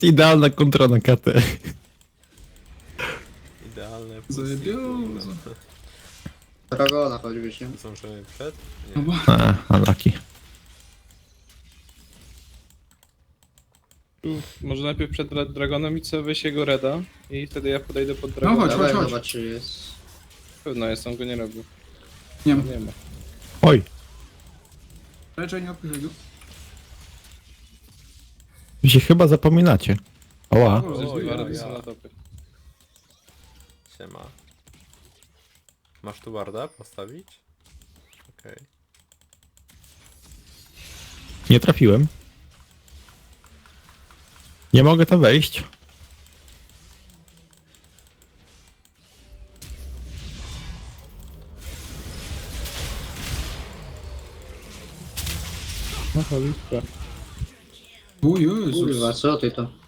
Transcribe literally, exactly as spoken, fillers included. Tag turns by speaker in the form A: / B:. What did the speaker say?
A: Idealna kontra na K T.
B: Idealne.
C: Zajebiozo.
D: Dragona choćbyś, nie?
B: Zdążymy przed?
C: No
B: Nie.
C: bo
A: A, unlucky.
E: Tu może najpierw przed Dra- Dragonem i co weź jego reda i wtedy ja podejdę pod
C: No
E: Dragona.
C: chodź,
D: Dawaj,
C: chodź.
D: zobacz czy jest.
E: Pewno jest, on go nie robił.
C: nie ma.
E: Nie ma.
A: Oj,
C: Raczej nie odpychaj go.
A: wy się chyba zapominacie. Oła.
C: O,
B: O,
C: zresztą
B: ja,
E: Wardy
B: ja.
E: są na topie.
B: Siema. Masz tu warda postawić? Okej.
A: Nie trafiłem. Nie mogę tam wejść.
E: No cholipka.
C: O Jezus.
D: Kurwa, co ty to?